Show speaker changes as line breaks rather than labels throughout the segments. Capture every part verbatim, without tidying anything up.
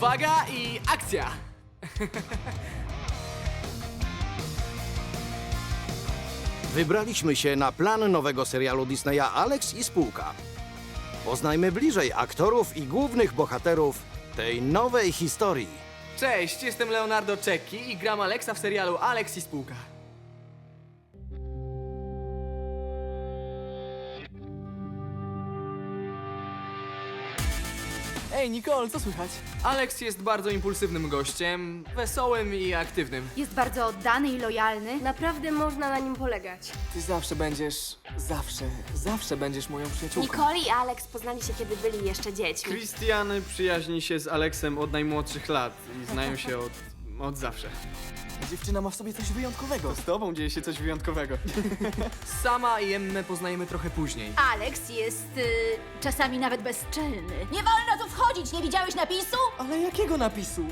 Uwaga i akcja!
Wybraliśmy się na plan nowego serialu Disneya Alex i spółka. Poznajmy bliżej aktorów i głównych bohaterów tej nowej historii.
Cześć, jestem Leonardo Cecchi i gram Alexa w serialu Alex i spółka. Ej, Nicole, co słychać? Alex jest bardzo impulsywnym gościem, wesołym i aktywnym.
Jest bardzo oddany i lojalny.
Naprawdę można na nim polegać.
Ty zawsze będziesz, zawsze, zawsze będziesz moją przyjaciółką.
Nicole i Alex poznali się, kiedy byli jeszcze dziećmi.
Christian przyjaźni się z Alexem od najmłodszych lat i znają się od, od zawsze.
Dziewczyna ma w sobie coś wyjątkowego.
Z tobą dzieje się coś wyjątkowego.
Sama i Emmę poznajemy trochę później.
Alex jest y, czasami nawet bezczelny. Nie wolno tu wchodzić, nie widziałeś napisu?
Ale jakiego napisu?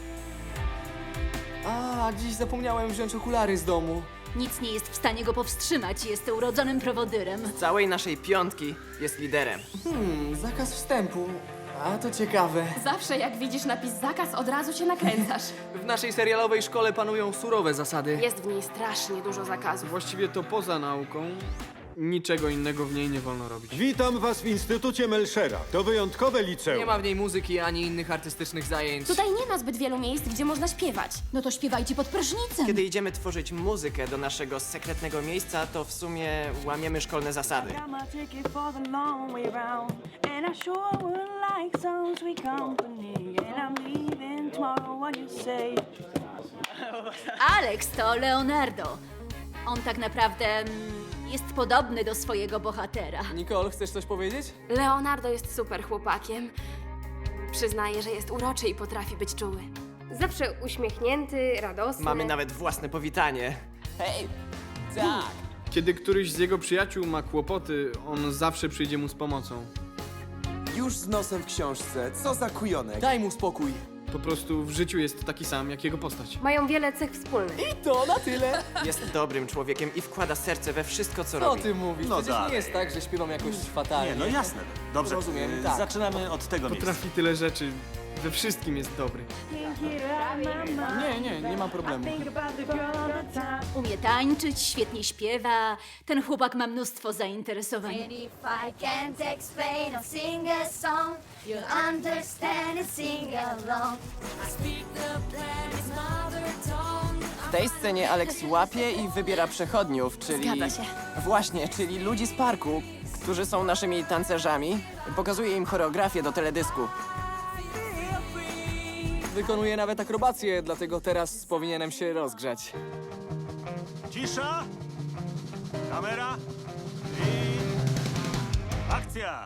A, dziś zapomniałem wziąć okulary z domu.
Nic nie jest w stanie go powstrzymać, jest urodzonym prowodyrem.
Całej naszej piątki jest liderem.
Hmm, zakaz wstępu. A, to ciekawe.
Zawsze jak widzisz napis zakaz, od razu się nakręcasz.
W naszej serialowej szkole panują surowe zasady.
Jest w niej strasznie dużo zakazów.
Właściwie to poza nauką niczego innego w niej nie wolno robić.
Witam was w Instytucie Melchera. To wyjątkowe liceum.
Nie ma w niej muzyki ani innych artystycznych zajęć.
Tutaj nie ma zbyt wielu miejsc, gdzie można śpiewać.
No to śpiewajcie pod prysznicem.
Kiedy idziemy tworzyć muzykę do naszego sekretnego miejsca, to w sumie łamiemy szkolne zasady.
Got my ticket for the long way round, and I sure would like some sweet company. And I'm leaving tomorrow. What you say?
Alex to Leonardo. On tak naprawdę mm, jest podobny do swojego bohatera.
Nicole, chcesz coś powiedzieć?
Leonardo jest super chłopakiem. Przyznaję, że jest uroczy i potrafi być czuły. Zawsze uśmiechnięty, radosny.
Mamy nawet własne powitanie.
Hej! Tak!
Kiedy któryś z jego przyjaciół ma kłopoty, on zawsze przyjdzie mu z pomocą.
Już z nosem w książce, co za kujonek.
Daj mu spokój.
Po prostu w życiu jest taki sam, jak jego postać.
Mają wiele cech wspólnych.
I to na tyle.
Jest dobrym człowiekiem i wkłada serce we wszystko, co
Co
robi.
ty mówisz?
No
Przecież
dalej.
nie jest tak, że śpiewam jakoś fatalnie.
Nie, no jasne. Dobrze,
Rozumiem,
y,
tak.
zaczynamy od tego miejsca.
Potrafi tyle rzeczy. We wszystkim jest dobry.
Can't get it out of my mind.
Nie, nie, nie ma problemu.
Think about the girl all the time.
Umie tańczyć, świetnie śpiewa. Ten chłopak ma mnóstwo zainteresowań.
And if I can't explain or sing a song, you'll understand and sing along.
W tej scenie Alex łapie i wybiera przechodniów, czyli...
Zgadza się.
Właśnie, czyli ludzi z parku, którzy są naszymi tancerzami. Pokazuje im choreografię do teledysku.
Wykonuję nawet akrobację, dlatego teraz powinienem się rozgrzać.
Cisza! Kamera! I... akcja!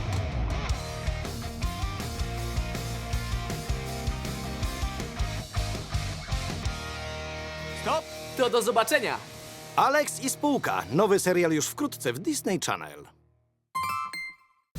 Stop!
To do zobaczenia!
Alex i spółka. Nowy serial już wkrótce w Disney Channel.